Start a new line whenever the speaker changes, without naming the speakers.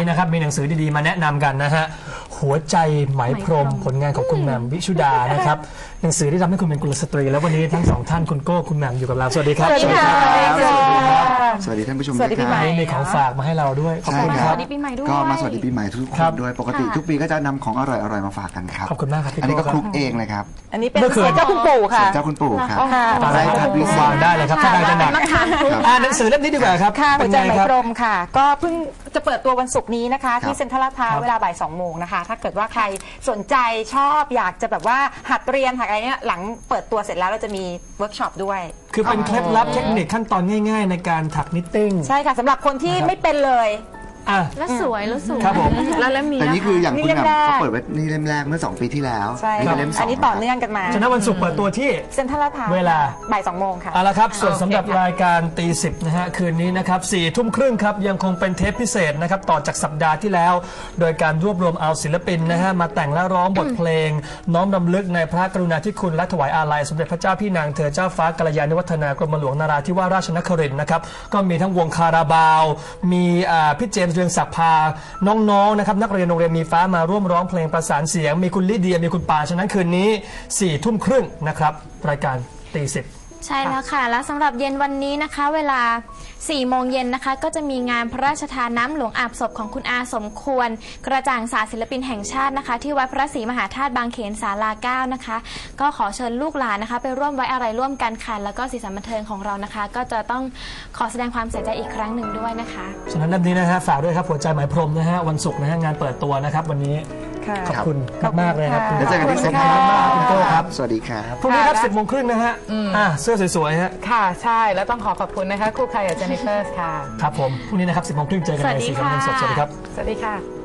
นะครับมีหนังสือดีๆมาแนะนำกันนะฮะหัวใจไหมพรหมผลงานของคุณแหม่มวิชุดานะครับหนังสือที่ทำให้คุณเป็นกุลสตรีแล้ววันนี้ทั้งสองท่านคุณโก้คุณแหม่มอยู่กับเราสวัสดีครับ
สวัสดีค่ะ
สวัสดีท่านผู้ชม
สวัสดีปีใหม่
มีของฝากมาให้เราด้วยขอบคุณค
ส
รับ
วัสดีปีใหม่ด้วย
ก็มาสวัสดีปีใหม่ทุกคนด้วยปกติทุกปีก็จะนำของอร่อยๆมาฝากกันครับ
ขอบคุณมากครับพี่
อันนี้
โก้
ก็
ค
คลุ
รับ
กเองเลยครับ
อันนี้เป็น
เมื่อคืน
เจ้าคุณปู่ค่ะ
เจ้าคุณปู่ครับ
ตอนแรกท่านวางได้เลยครับถ้าได้จะหนักหนังสือเล่มนี้ดีกว่าครับ
ค่ะหั
เป็
วน ใจ
ไง
ไหม
ครับ
พรหมค่ะ ก็เพิ่งจะเปิดตัววันศุกร์นี้นะคะ
ครับ
ที่เซ็นทรัลลาดพร้าวเวลาบ่าย 2 โมงนะคะ ถ้าเกิดว่าใครสนใจชอบอยากจะแบบว่าหัดเรียนหัดอะไรเนี่ยหลังเปิดตัวเสร็จแล้วเราจะมีเวิร์กช็อปด้วย
คือเป็นเคล็ดลับเทคนิคขั้นตอนง่ายๆ ในการถักนิตติ้ง
ใช่ค่ะสำหรับคนที่ไม่เป็นเลย
อ่ะ
แล้วสวยแล้วสวย
ครับผม
แล้วมี
แต่นี่คืออย่าง
นี่
คุณ
เล่ม
แหม่ม
แรก
เขาเปิดไว้นี่เล่มแรกเมื่อ2 ปีที่แล้ว
ใช่
นี่
ค่ะ
เป็นเล่ม
อันนี้
2
ต่อเนื่องกันมา
ฉะนั้นวันศุกร์เปิดตัวที่
เซ็นทรัลลาดพร้าว
เวลา
บ่าย 2 โมงค่ะ
เอาละครับส่วนสำหรับรายการตีสิบนะฮะคืนนี้นะครับ4 ทุ่มครึ่งครับยังคงเป็นเทปพิเศษนะครับต่อจากสัปดาห์ที่แล้ว โดยการรวบรวมเอาศิลปินนะฮะมาแต่งและร้องบทเพลง น้อมรำลึกในพระกรุณาธิคุณและถวายอาลัยสมเด็จพระเจ้าพี่นางเธอเจ้าฟ้ากัลยาณิวัฒนากรมหลวงนราธิวาสราชนครินทร์นะครับก็มีทั้งวงคาราบาวมีพี่เจมส์เรืองศักดิ์พาน้องๆนะครับนักเรียนโรงเรียนมีฟ้ามาร่วมร้องเพลงประสานเสียงมีคุณลิเดียมีคุณปาฉะนั้นคืนนี้4 ทุ่มครึ่งนะครับรายการตีสิบ
ใช่แล้วค่ะ แล้วสำหรับเย็นวันนี้นะคะ เวลา 4 โมงเย็นนะคะ ก็จะมีงานพระราชทานน้ำหลวงอาบศพของคุณอาสมควร กระจ่างศาสตร์ศิลปินแห่งชาตินะคะ ที่วัดพระศรีมหาธาตุบางเขนศาลา 9 นะคะ ก็ขอเชิญลูกหลานนะคะ ไปร่วมไว้อะไรร่วมกันค่ะแล้วก็สีสันบันเทิงของเรานะคะ ก็จะต้องขอแสดงความเสียใจอีกครั้งหนึ่งด้วยนะคะ
ฉะนั้นเล่มนี้นะฮะฝากด้วยครับหัวใจหมายพรหมนะฮะวันศุกร์นะฮะงานเปิดตัวนะครับวันนี้
ค่ะ
ขอบคุณมากๆเลยครับ
แล้วเจอกันที่เซ็นท
ข
รั
อบ
ล
คุณ
ลาด
ค่ะ
พร้าว
คุณโก้ครับ
สวัสดีครับ
พรุ่งนี้ครับ10 โมงครึ่งนะฮะเสื้อสวยๆฮะ
ค่ะใช่แล้วต้องขอขอบคุณนะคะครูไข่กับเจนนิเฟอร์ค่ะ
ครับผมพรุ่งนี้นะครับ10 โมงครึ่งเจอกันในสีกำลังสดสวัสดีครับ
สวัสดีค่ะ